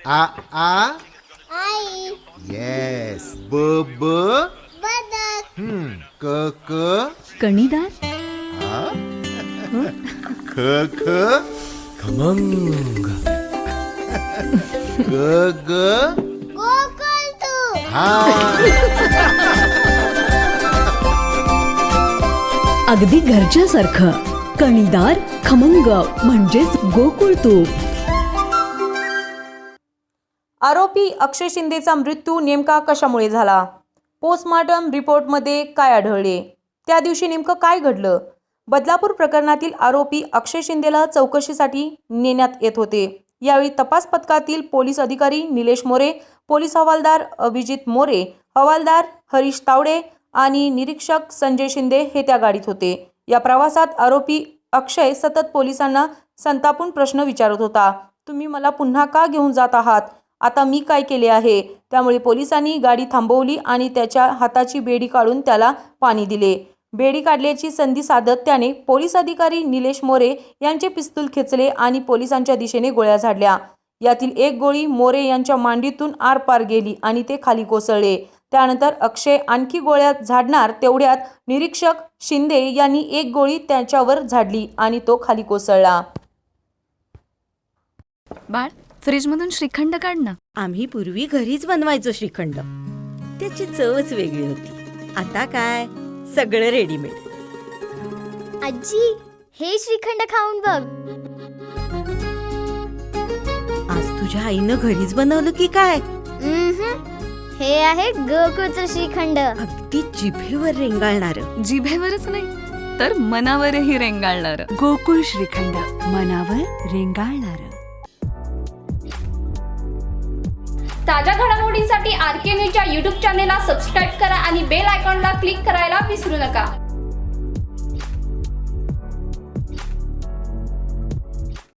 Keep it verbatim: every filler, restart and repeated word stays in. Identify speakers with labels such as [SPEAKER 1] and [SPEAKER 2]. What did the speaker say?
[SPEAKER 1] आ आ
[SPEAKER 2] आई.
[SPEAKER 1] Yes. ब ब
[SPEAKER 2] बदक.
[SPEAKER 1] हम्म क क
[SPEAKER 3] कणीदार.
[SPEAKER 1] ख ख
[SPEAKER 4] खमंग.
[SPEAKER 1] ग ग
[SPEAKER 2] गोकुळ तू.
[SPEAKER 1] हा.
[SPEAKER 3] अगदी घरच्यासारखं. कणीदार खमंग म्हणजेच गोकुळ तूप.
[SPEAKER 5] आरोपी अक्षय शिंदेचा मृत्यू नेमका कशामुळे झाला? पोस्टमॉर्टम रिपोर्टमध्ये काय आढळले? त्या दिवशी नेमकं काय घडलं? बदलापूर प्रकरणातील आरोपी अक्षय शिंदेला चौकशीसाठी नेण्यात येत होते. यावेळी तपास पथकातील पोलीस अधिकारी निलेश मोरे, पोलीस हवालदार अभिजित मोरे, हवालदार हरीश तावडे आणि निरीक्षक संजय शिंदे हे त्या गाडीत होते. या प्रवासात आरोपी अक्षय सतत पोलिसांना संतापून प्रश्न विचारत होता. तुम्ही मला पुन्हा का घेऊन जात आहात? आता मी काय केले आहे? त्यामुळे पोलिसांनी गाडी थांबवली आणि त्याच्या हाताची बेडी काढून त्याला पाणी दिले. बेडी काढल्याची संधी साधत त्याने पोलीस अधिकारी निलेश मोरे यांचे पिस्तूल खेचले आणि पोलिसांच्या दिशेने गोळ्या झाडल्या. यातील एक गोळी मोरे यांच्या मांडीतून आरपार गेली आणि ते खाली कोसळले. त्यानंतर अक्षय आणखी गोळ्या झाडणार तेवढ्यात निरीक्षक शिंदे यांनी एक गोळी त्याच्यावर झाडली आणि तो खाली कोसळला.
[SPEAKER 6] बाळ, फ्रीजमधून श्रीखंड काढ ना.
[SPEAKER 7] आम्ही पूर्वी घरीच बनवायचो श्रीखंड. त्याची चवच वेगळी होती. आता काय सगळं रेडीमेड.
[SPEAKER 2] आजी, हे श्रीखंड खाऊन बघ.
[SPEAKER 7] आज तुझ्या आईनं घरीच बनवलं की काय?
[SPEAKER 2] हे आहे गोकुळचं श्रीखंड.
[SPEAKER 7] अगदी जिभेवर रेंगाळणार.
[SPEAKER 6] जिभेवरच नाही तर मनावरही रेंगाळणार.
[SPEAKER 3] गोकुळ श्रीखंड, मनावर रेंगाळणार.
[SPEAKER 8] ताज्या घडामोडींसाठी आर के न्यूजच्या यूट्यूब चॅनेलला सबस्क्राईब करा आणि बेल आयकॉनला क्लिक करायला विसरू नका.